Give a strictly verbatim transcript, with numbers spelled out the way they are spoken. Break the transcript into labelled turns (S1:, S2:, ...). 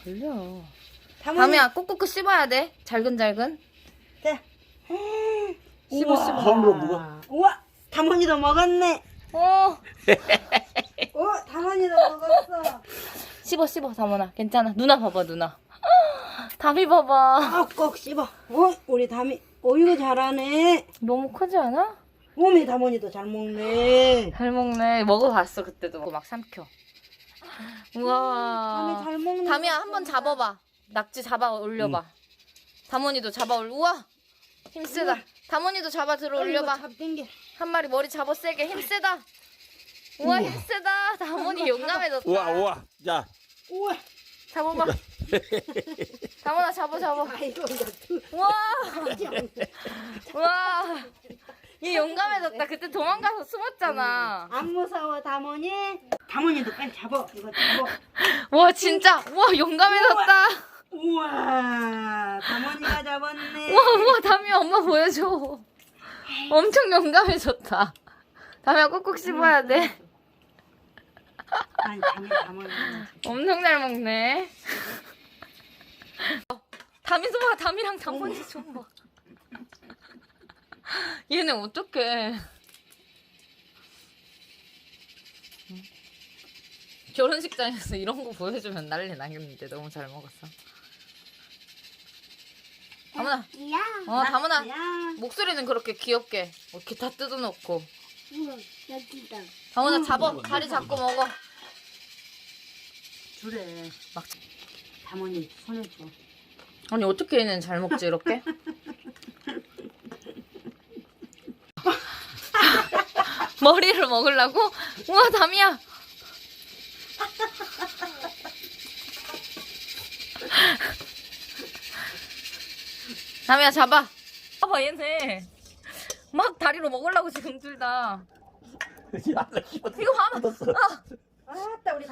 S1: 걸려.
S2: 담원이.
S1: 담이야 꼭꼭꼭 씹어야 돼. 잘근잘근.
S2: 자.
S1: 씹어
S2: 우와.
S1: 씹어.
S3: 손으로 먹어.
S2: 우와, 담원이도 먹었네.
S1: 어.
S2: 어, 담원이도 먹었어.
S1: 씹어 씹어 담원아. 괜찮아. 누나 봐봐 누나. 담이 봐봐.
S2: 꼭꼭 씹어. 어, 우리 담이. 어이구 잘하네.
S1: 너무 크지 않아?
S2: 몸이 담원이도 잘 먹네.
S1: 잘 먹네. 먹어봤어 그때도. 먹고 막 삼켜.
S2: 담이
S1: 우와.
S2: 잘 먹네.
S1: 담이야 한번 잡아봐. 낙지 잡아 올려봐. 담원이도 잡아 올. 우와. 힘세다. 담원이도 잡아 들어 올려봐.
S2: 잡땡겨.
S1: 한 마리 머리 잡아 세게 힘세다. 우와 힘세다. 담원이 용감해졌다.
S3: 우와 우와. 자.
S2: 우와.
S1: 잡아봐. 담원아 잡아 잡아.
S2: 아이고, 이거 두.
S1: 우와. 우와. 얘 용감해졌다. 그때 도망가서 숨었잖아.
S2: 안 무서워, 담원이? 담원이도 빨리 잡아. 이거 잡아.
S1: 와 진짜. 우와 용감해졌다.
S2: 우와, 담원이가 잡았네.
S1: 우와 우와 담이야 엄마 보여줘. 엄청 용감해졌다. 담이야 꼭꼭 씹어야 돼.
S2: 아니, 담이, 담원이.
S1: 엄청 잘 먹네. 담이 좀 봐. 담이랑 담원이 좀 봐. 얘네 어떡해. 결혼식장에서 이런 거 보여주면 난리 나겠는데 너무 잘 먹었어. 다문아.
S4: 야,
S1: 어 다문아.
S2: 야,
S1: 목소리는 그렇게 귀엽게 이렇게 다 뜯어놓고.
S4: 이거 여기다.
S1: 다문아 잡아. 다리 잡고 먹어.
S2: 주래.
S1: 막.
S2: 담원이 손에 줘.
S1: 아니 어떻게 얘는 잘 먹지 이렇게? 머리를 먹으려고? 우와 담이야. 담이야 잡아. 봐봐 얘네 막 다리로 먹으려고 지금 둘 다.
S3: 야, 나 씹었어.
S1: 이거 봐봐.
S3: 뜯었어.
S1: 아,
S2: 아따, 우리